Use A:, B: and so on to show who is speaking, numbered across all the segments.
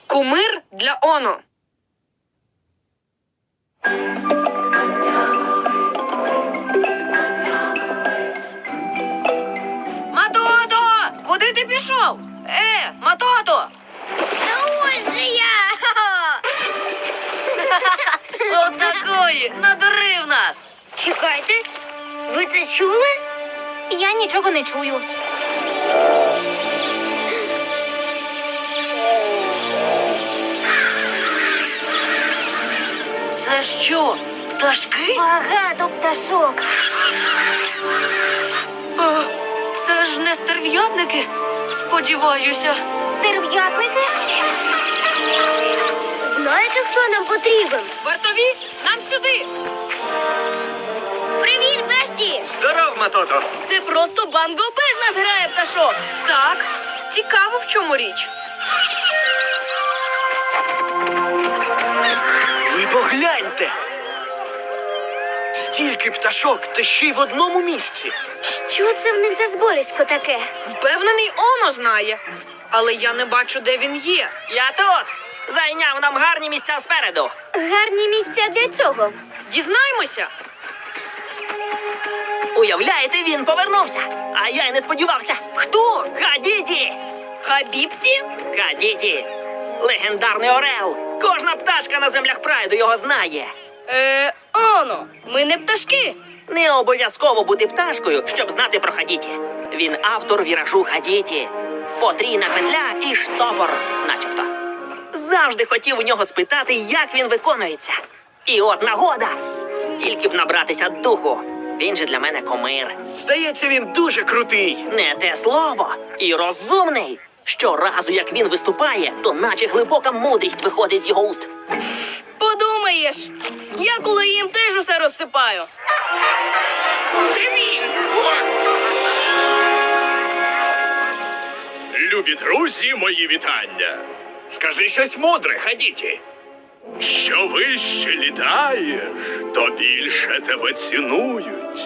A: Кумир для Оно. Матото! Куди ти пішов? Матото!
B: Ось же я!
A: Отакої! Надурив нас!
B: Чекайте, ви це чули? Я нічого не чую.
A: Це що, пташки?
B: Багато пташок.
A: О, це ж не стерв'ятники, сподіваюся.
B: Стерв'ятники? Знаєте, хто нам потрібен?
A: Вартові, нам сюди!
B: Привіт, Бешті!
C: Здоров, Матото!
A: Це просто Банго без нас грає пташок. Так, цікаво, в чому річ.
C: Ви погляньте! Стільки пташок, та ще й в одному місці.
B: Що це в них за зборисько таке?
A: Впевнений, Оно знає. Але я не бачу, де він є.
D: Я тут! Зайняв нам гарні місця спереду.
B: Гарні місця для чого?
A: Дізнаємося.
D: Уявляєте, він повернувся. А я й не сподівався.
A: Хто?
D: Хадіді!
A: Хабібті?
D: Хадіді! Легендарний орел. Кожна пташка на землях прайду його знає.
A: Оно, ми не пташки.
D: Не обов'язково бути пташкою, щоб знати про Хадіді. Він автор віражу Хадіді. Потрійна петля і штопор, начебто. Завжди хотів у нього спитати, як він виконується. І от нагода. Тільки б набратися духу. Він же для мене кумир.
C: Здається, він дуже крутий.
D: Не те слово. І розумний. Щоразу, як він виступає, то наче глибока мудрість виходить з його уст.
A: Подумаєш, я коли їм теж усе розсипаю.
E: Любі друзі, мої вітання.
C: Скажи щось мудре, Хадіті.
E: Що вище літаєш, то більше тебе цінують.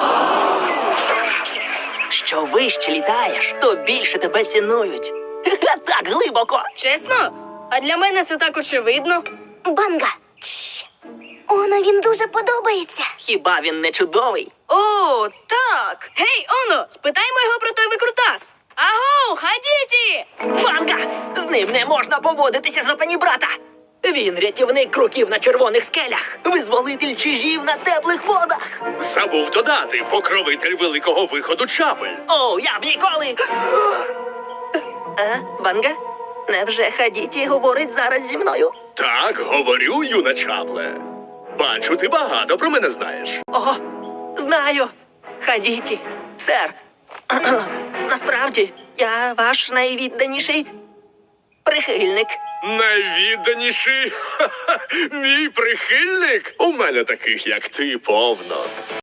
D: Що вище літаєш, то більше тебе цінують. Так глибоко.
A: Чесно? А для мене це так очевидно.
B: Банга! Чш. Оно він дуже подобається.
D: Хіба він не чудовий?
A: О, так. Гей, Оно, спитаймо його про той викрутас. Аго, Хадіті!
D: Банга! З ним не можна поводитися за панібрата. Він рятівник круків на червоних скелях, визволитель чижів на теплих водах.
E: Забув додати покровитель великого виходу Чапель.
D: О, я б ніколи. Банга? Невже Хадіті говорить зараз зі мною?
E: Так, говорю, юна Чапле. Бачу, ти багато про мене знаєш.
D: О, знаю. Хадіті, сер. Насправді, я ваш найвідданіший прихильник.
E: Найвідданіший? Ха-ха, мій прихильник? У мене таких, як ти, повно.